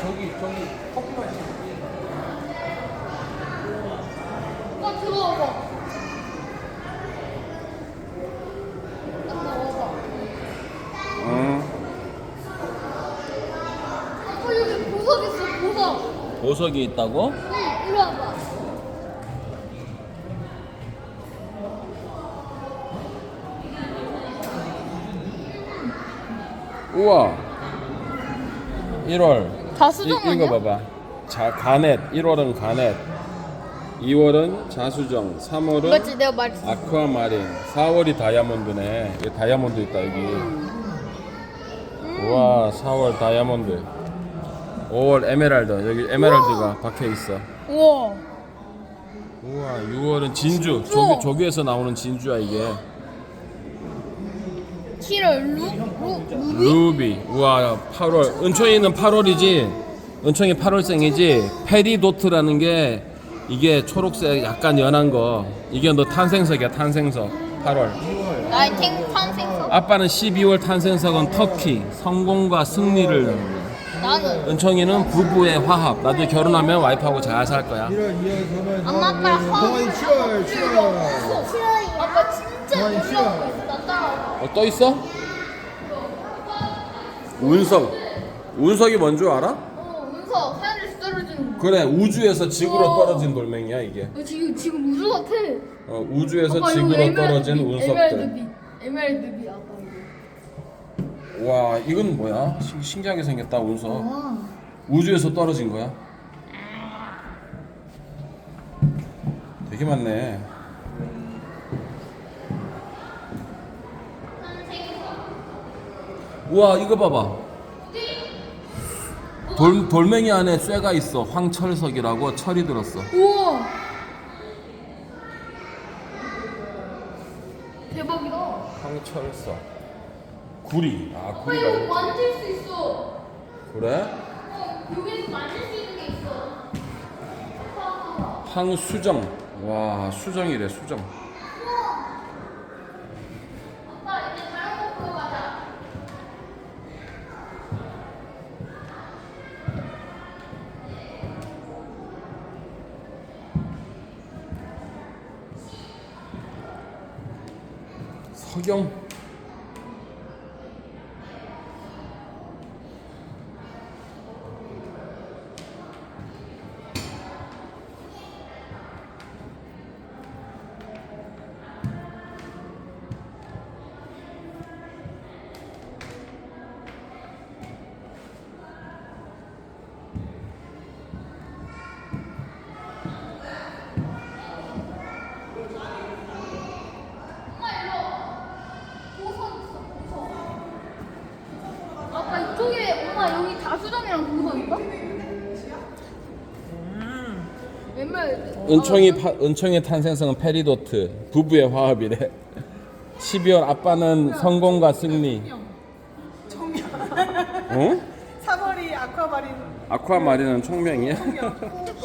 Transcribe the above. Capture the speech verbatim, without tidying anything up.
저기 저기 커피 마시는 어, 들어와봐. 들어와봐. 응. 어, 여기 보석 있어, 보석. 보석이 있다고? 응, 이리 와봐. 우와. 일월. 자수정 이, 이거 아니야? 봐봐. 자, 가넷. 일월은 가넷. 이월은 자수정. 삼월은 맞지, 내가 말했어. 아쿠아마린. 사월이 다이아몬드네. 여기 다이아몬드 있다 여기. 음. 우와, 사월 다이아몬드. 오월 에메랄드. 여기 에메랄드가 박혀 있어. 우와. 우와, 유월은 진주. 진주. 조교, 조교에서 나오는 진주야 이게. 칠월 루, 루, 루비? 루비. 우와, 팔월. 은총이는 팔월이지. 은총이 팔월생이지. 페리도트라는 게 이게 초록색 약간 연한 거. 이게 너 탄생석이야, 탄생석. 팔월. 나의 탱 탄생석. 아빠는 십이월 탄생석은 터키. 성공과 승리를. 나는 은총이는 부부의 화합. 나중에 결혼하면 와이프하고 잘 살 거야. 일월, 이월, 삼월, 엄마 아빠랑 동아리 칠월, 칠월. 아빠 진짜 동아리 놀라고 칠월. 있어. 나 따라와. 어, 또 있어? 운석. 운석이 뭔 줄 알아? 어, 운석 하늘에서 떨어지는. 그래, 우주에서 지구로 우와. 떨어진 돌멩이야 이게. 어, 지금 지금 우주 같아. 어, 우주에서 아빠, 이거 지구로 에메랄드 떨어진 빛, 운석들. 에메랄드빛. 에메랄드빛 아빠 이거. 와, 이건 뭐야? 신- 신기하게 생겼다 운석. 와. 우주에서 떨어진 거야? 되게 많네. 우와, 이거 봐봐. 돌, 돌멩이 안에 쇠가 있어. 황철석이라고 철이 들었어. 우와. 대박이다. 황철석. 구리. 아, 아빠 구리가 이거 있 만질 수 있어. 그래? 어, 여기서 만질 수 있는 게 있어. 황수정. 와, 수정이래, 수정. 아빠 이제 다른 거 보러 가자. 서경. 보석 있어, 보석. 아빠 이쪽에 엄마 여기 다수정이랑 보석인가? 웬말 은총이 파, 은총의 탄생성은 페리도트. 부부의 화합이래. 십이월 아빠는 성공과 승리. 응? 삼월이 아쿠아마린 아쿠아마린은 총명이야? 풍경.